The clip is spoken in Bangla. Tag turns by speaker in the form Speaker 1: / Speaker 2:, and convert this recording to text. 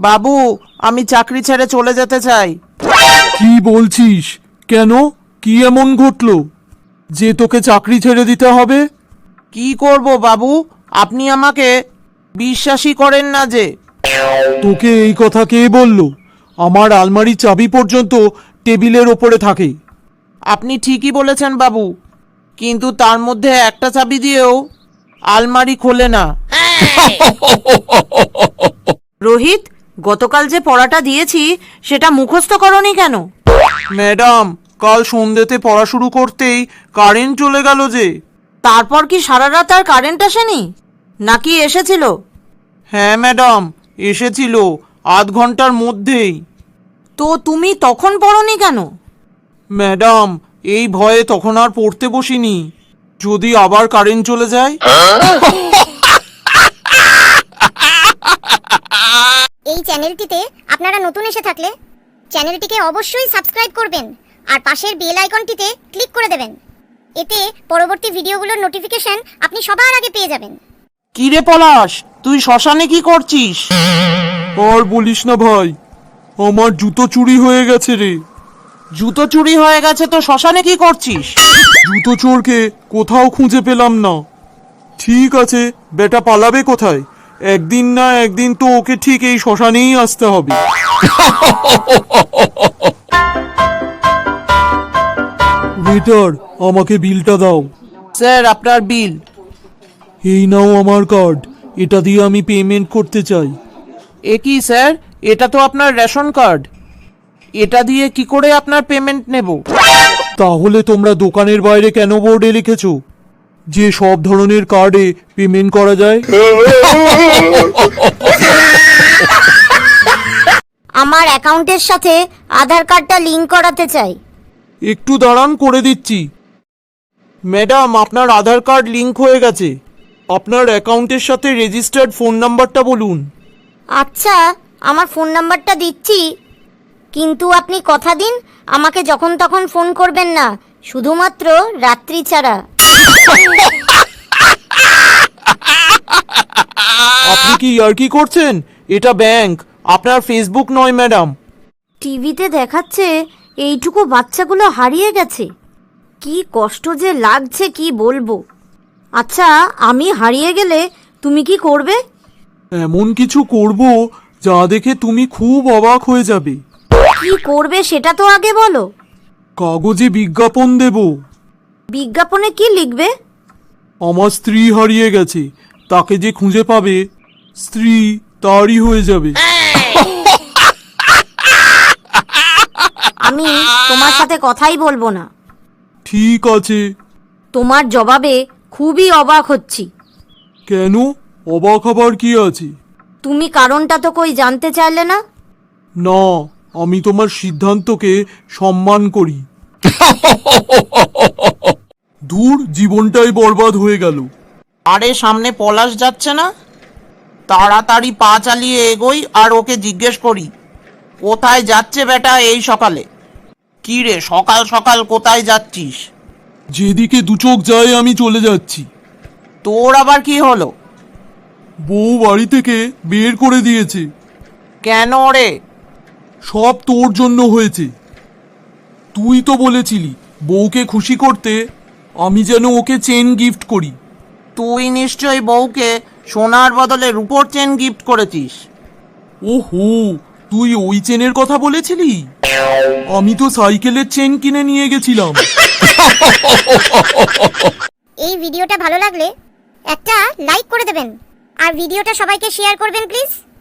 Speaker 1: বাবু, আমি চাকরি ছেড়ে চলে যেতে চাই।
Speaker 2: কি বলছিস? কেন? কি এমন ঘটলো যে তোকে চাকরি ছেড়ে দিতে হবে?
Speaker 1: কি করব বাবু, আপনি আমাকে বিশ্বাসই করেন না যে।
Speaker 2: তোকে এই কথা কে বলল? আমার আলমারির চাবি পর্যন্ত টেবিলের ওপরে থাকে।
Speaker 1: আপনি ঠিকই বলেছেন বাবু, কিন্তু তার মধ্যে একটা চাবি দিয়েও আলমারি খোলে না।
Speaker 3: রোহিত, গতকাল যে পড়াটা দিয়েছি সেটা মুখস্থ করনি কেন?
Speaker 1: ম্যাডাম, কাল সন্ধ্যেতে পড়া শুরু করতেই কারেন্ট চলে গেল যে।
Speaker 3: তারপর কি সারা রাত আর কারেন্ট আসেনি, নাকি এসেছিল?
Speaker 1: হ্যাঁ ম্যাডাম, এসেছিল আধ ঘন্টার মধ্যেই।
Speaker 3: তো তুমি তখন পড়নি কেন?
Speaker 1: ম্যাডাম, এই ভয়ে তখন আর পড়তে বসিনি, যদি আবার কারেন্ট চলে যায়।
Speaker 4: এই চ্যানেলটিতে আপনারা নতুন এসে থাকলে চ্যানেলটিকে অবশ্যই সাবস্ক্রাইব করবেন আর পাশের বেল আইকনটিতে ক্লিক করে দেবেন। এতে পরবর্তী ভিডিওগুলোর নোটিফিকেশন আপনি সবার আগে পেয়ে যাবেন।
Speaker 1: কি রে পলাশ, তুই শ্মশানে কি করছিস?
Speaker 2: আর বলিস না ভাই, আমার জুতো চুরি হয়ে গেছে রে।
Speaker 1: জুতো চুরি হয়ে গেছে তো শ্মশানে কি করছিস?
Speaker 2: জুতো চোরকে কোথাও খুঁজে পেলাম না। ঠিক আছে, বেটা পালাবে কোথায়? একদিন না একদিন তো ওকে ঠিক এই শ্মশানেই আসতে হবে। ওয়েটার, আমাকে বিলটা দাও।
Speaker 1: স্যার, আপনার বিল।
Speaker 2: এই নাও আমার কার্ড, এটা দিয়ে আমি পেমেন্ট করতে চাই।
Speaker 1: এ কি স্যার, এটা তো আপনার রেশন কার্ড, এটা দিয়ে কি করে আপনার পেমেন্ট নেব?
Speaker 2: তাহলে তোমরা দোকানের বাইরে কেন বোর্ডে লিখেছো যে সব ধরনের কার্ডে পেমেন্ট করা যায়?
Speaker 4: আমার অ্যাকাউন্টের সাথে আধার কার্ডটা লিংক করাতে চাই।
Speaker 2: একটু দাঁড়ান, করে দিচ্ছি।
Speaker 1: ম্যাডাম, আপনার আধার কার্ড লিংক হয়ে গেছে।
Speaker 2: আপনার অ্যাকাউন্টের সাথে রেজিস্টার্ড ফোন নাম্বারটা বলুন।
Speaker 4: আচ্ছা, আমার ফোন নাম্বারটা দিচ্ছি, কিন্তু আপনি কথা দিন আমাকে যখন তখন ফোন করবেন না, শুধুমাত্র রাত্রি ছাড়া।
Speaker 2: আপনি কি ইয়ার্কি করছেন?
Speaker 1: এটা ব্যাংক, আপনার ফেসবুক নয় ম্যাডাম।
Speaker 3: টিভিতে দেখাচ্ছে এইটুকু বাচ্চাগুলো হারিয়ে গেছে। কি কষ্ট যে লাগছে কি বলবো। আচ্ছা, আমি হারিয়ে গেলে তুমি কি করবে?
Speaker 2: এমন কিছু করব যা দেখে তুমি খুব অবাক হয়ে যাবে।
Speaker 3: কি করবে সেটা তো আগে বলো।
Speaker 2: কাগজে বিজ্ঞাপন দেব।
Speaker 3: বিজ্ঞাপনে কি লিখবে?
Speaker 2: আমার স্ত্রী হারিয়ে গেছে, তাকে যে খুঁজে পাবে স্ত্রী তারই হয়ে যাবে।
Speaker 3: আমি তোমার সাথে কথাই বলবো না।
Speaker 2: ঠিক আছে।
Speaker 3: তোমার জবাবে খুবই অবাক হচ্ছি।
Speaker 2: কেন? অবাক হবার কি আছে?
Speaker 3: তুমি কারণটা তো কই জানতে চাইলে না।
Speaker 2: না, আমি তোমার সিদ্ধান্তকে সম্মান করি। দূর, জীবনটাই বরবাদ হয়ে গেল।
Speaker 1: আরে, সামনে পলাশ যাচ্ছে না? তাড়াতাড়ি পা চালিয়ে এগোই আর ওকে জিজ্ঞেস করি, কোথায় যাচ্ছে বেটা এই সকালে? কি রে, সকাল সকাল কোথায় যাচ্ছিস?
Speaker 2: যেদিকে দু চোখ যায় আমি চলে যাচ্ছি।
Speaker 1: তোর আবার কি হলো?
Speaker 2: বউ বাড়ি থেকে বের করে দিয়েছে।
Speaker 1: কেন রে?
Speaker 2: সব তোর জন্য হয়েছে। তুই তো বলেছিলি বউকে খুশি করতে আমি যেন ওকে চেন গিফট করি।
Speaker 1: তুই নিশ্চয়ই বউকে সোনার বদলে রূপোর চেন গিফট করেছিস।
Speaker 2: ওহো, তুই ওই চেনের কথা বলেছিলি? আমি তো সাইকেলের চেন কিনে নিয়ে গেছিলাম।
Speaker 4: এই ভিডিওটা ভালো লাগলে একটা লাইক করে দেবেন আর ভিডিওটা সবাইকে শেয়ার করবেন প্লিজ।